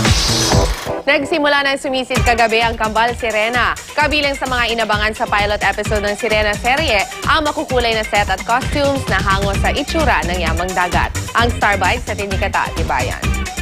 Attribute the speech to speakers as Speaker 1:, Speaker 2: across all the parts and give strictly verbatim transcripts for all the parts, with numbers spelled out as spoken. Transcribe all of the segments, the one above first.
Speaker 1: Nagsimula na sumisid kagabi ang Kambal Sirena. Kabilang sa mga inabangan sa pilot episode ng Sirena serye, ang makukulay na set at costumes na hango sa itsura ng yamang dagat. Ang Starbite sa Tinikata, Tibayan.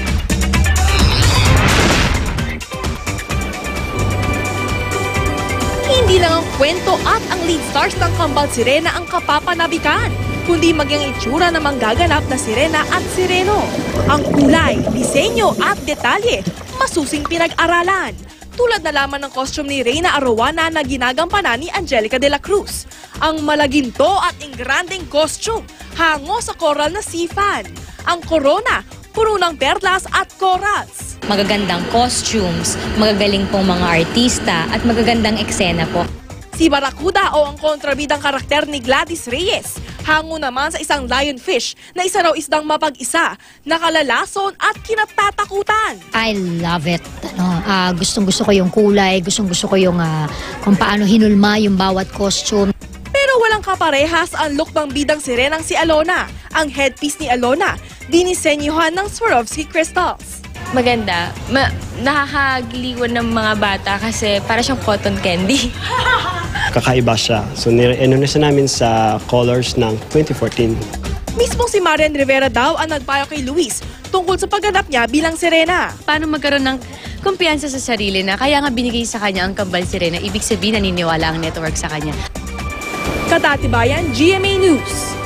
Speaker 2: Hindi lang ang kwento at ang lead stars ng Kambal Sirena ang kapapanabikan, kundi maging itsura ng manggaganap na sirena at sireno. Ang kulay, disenyo at detalye, masusing pinag-aralan. Tulad na lamang ng costume ni Reyna Arowana na ginagampanan ni Angelica de la Cruz. Ang malaginto at ingranding costume, hango sa coral na sifan. Ang corona, puro ng perlas at corals.
Speaker 3: Magagandang costumes, magagaling pong mga artista at magagandang eksena po.
Speaker 2: Si Barracuda o ang kontrabidang karakter ni Gladys Reyes, hango naman sa isang lionfish na isa raw isdang mapag-isa, nakalalason at kinatatakutan.
Speaker 4: I love it. Ano, uh, gustong-gusto ko yung kulay, gustong-gusto ko yung uh, kung paano hinulma yung bawat costume.
Speaker 2: Pero walang kaparehas ang look ng bidang sirenang si Alona. Ang headpiece ni Alona, dinisenyuhan ng Swarovski crystals.
Speaker 5: Maganda. Ma nakakagiliwan ng mga bata kasi para siyang cotton candy.
Speaker 6: Kakaiba siya. So, nire-enonesa namin sa colors ng twenty fourteen.
Speaker 2: Mismong si Marian Rivera daw ang nagpayo kay Luis tungkol sa pagganap niya bilang sirena.
Speaker 7: Paano magkaroon ng kumpiyansa sa sarili na kaya nga binigay sa kanya ang Kambal Sirena, ibig sabihin naniniwala ang network sa kanya.
Speaker 2: Katatibayan, G M A News.